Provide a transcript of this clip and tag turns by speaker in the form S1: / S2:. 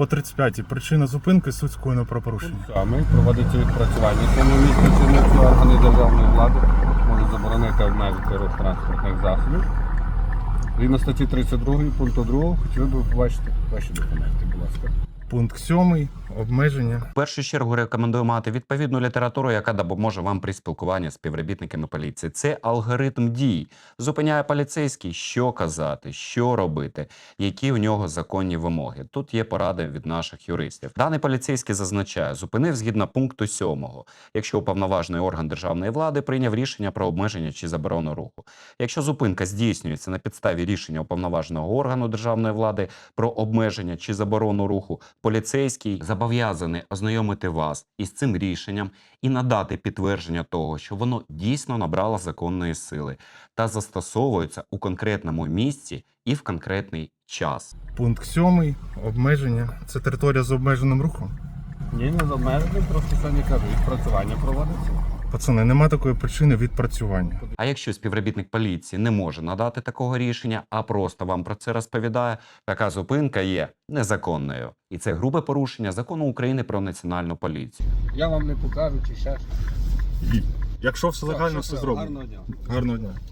S1: По 35-й. Причина зупинки суть скоєного правопорушення.
S2: Саме проводиться відпрацювання. В цьому місці чинності органи державної влади можуть заборонити обмежити рух транспортних засобів. Згідно статті 32 пункту 2, хотіли б побачити ваші документи, будь ласка.
S1: Пункт 7. Обмеження.
S3: В першу чергу рекомендую мати відповідну літературу, яка допоможе вам при спілкуванні з співробітниками поліції. Це алгоритм дій. Зупиняє поліцейський, що казати, що робити, які в нього законні вимоги. Тут є поради від наших юристів. Даний поліцейський зазначає, зупинив згідно пункту 7. Якщо уповноважений орган державної влади прийняв рішення про обмеження чи заборону руху. Якщо зупинка здійснюється на підставі рішення уповноваженого органу державної влади про обмеження чи заборону руху, поліцейський зобов'язаний ознайомити вас із цим рішенням і надати підтвердження того, що воно дійсно набрало законної сили та застосовується у конкретному місці і в конкретний час.
S1: Пункт 7. Обмеження. Це територія з обмеженим рухом.
S2: Ні, не з обмеженням, просто самі кажу, відпрацювання проводиться.
S1: Пацани, нема такої причини відпрацювання.
S3: А якщо співробітник поліції не може надати такого рішення, а просто вам про це розповідає, така зупинка є незаконною. І це грубе порушення Закону України про національну поліцію.
S2: Я вам не покажу чи ще щось.
S1: Якщо все легально, все
S2: Щасливо,
S1: зроблено.
S2: гарного дня.
S1: Гарного дня.